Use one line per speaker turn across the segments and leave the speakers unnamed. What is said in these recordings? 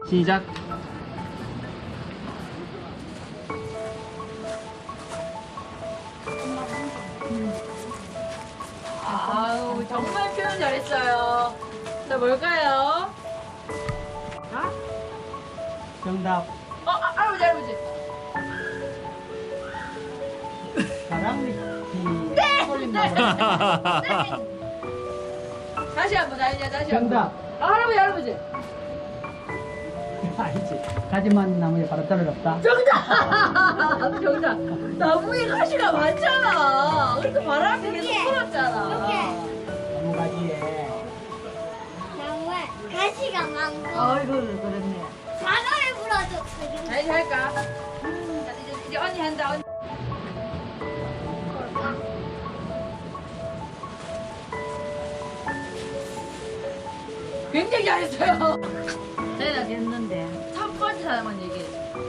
시작.
아우 정말 표현 잘했어요. 자 뭘까요? 아?
정답.
할아버지 할아버지.
바람밑이
네!
쏠린다 보다.
다시 한번 다시 한번.
정답.
할아버지 할아버지.
아니지. 가지만 나무에 바로 떨어졌다.
정답. 정답. 나무에 가시가 많잖아. 그래서 바람이 계속 불었잖아.
나무 가지에.
나무에 가시가 많고
아이고 그렇네.
바람에 불어줬어.
다시 할까? 자, 이제 언니 한다. 언니. 굉장히 잘했어요. 내가 됐는데 첫 번째 사람만 얘기해.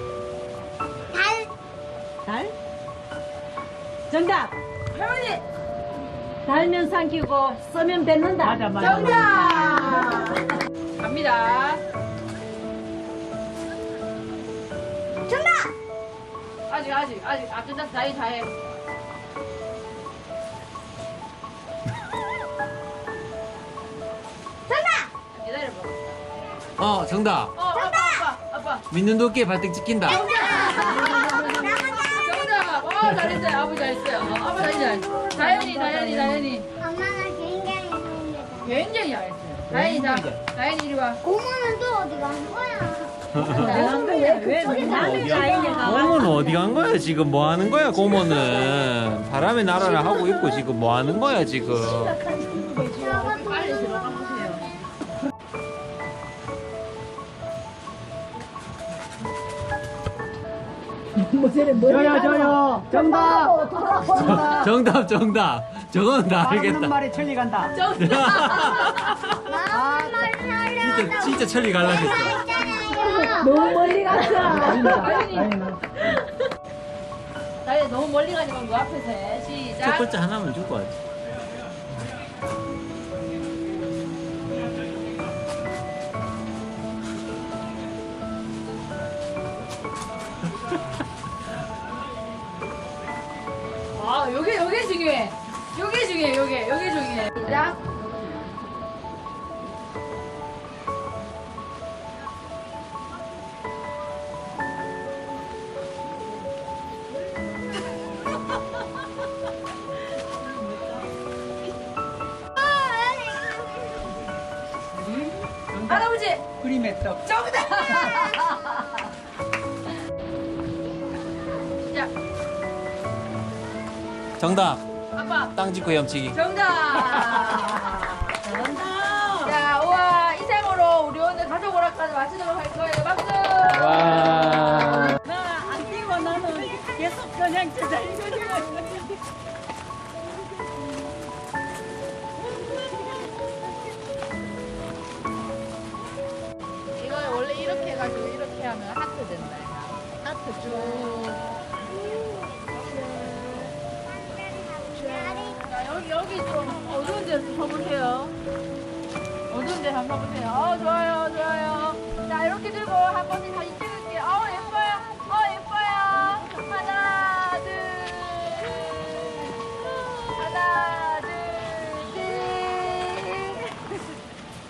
달
달? 정답!
할머니
달면 삼키고 쓰면 뱉는다.
맞아 맞아.
정답. 갑니다.
정답
아직 안 끝났어. 다해.
정답
기다려봐.
정답.
아빠.
믿는 도끼에 발등 찍힌다.
정답. 잘했어요. 아버지 잘했어요. 아빠 잘했어요. 다현이.
엄마가 굉장히 잘했다.
굉장히 잘했어요. 다현이 이리 와.
고모는 또 어디 간 거야?
왜 남의 자인이
고모는 어디 간 거야 지금? 뭐 하는 거야 고모는? 바람의 나라를 하고 있고 지금 뭐 하는 거야 지금?
빨리 들어가 보세요.
저요. 정답.
정답. 저건 다
바람
알겠다.
말이 천리 간다.
마음 말을 하려고
진짜 천리 갈라졌어.
했잖아요.
너무 멀리 갔어.
다현이 너무 멀리 가지 말고 앞에서 해.
첫
시작.
번째 하나만 주고 와야지.
요게 중요해. 요게 중요해. 시작. 할아버지
그림의 떡.
정답. 자,
정답.
아빠
땅 짚고 헤엄치기.
정답.
잘한다.
자, 우와 이상으로 우리 오늘 가족 오락까지 마치도록 할 거예요. 박수.
와.
나 안 뛰고 나는 계속 그냥 제자리로
이거 원래 이렇게 해가지고 이렇게 하면 하트 된다. 하트 쭉. 자, 여기 좀 어두운 데서 서보세요. 어두운 데 한번 서보세요. 좋아요. 자, 이렇게 들고 한 번씩 사진 찍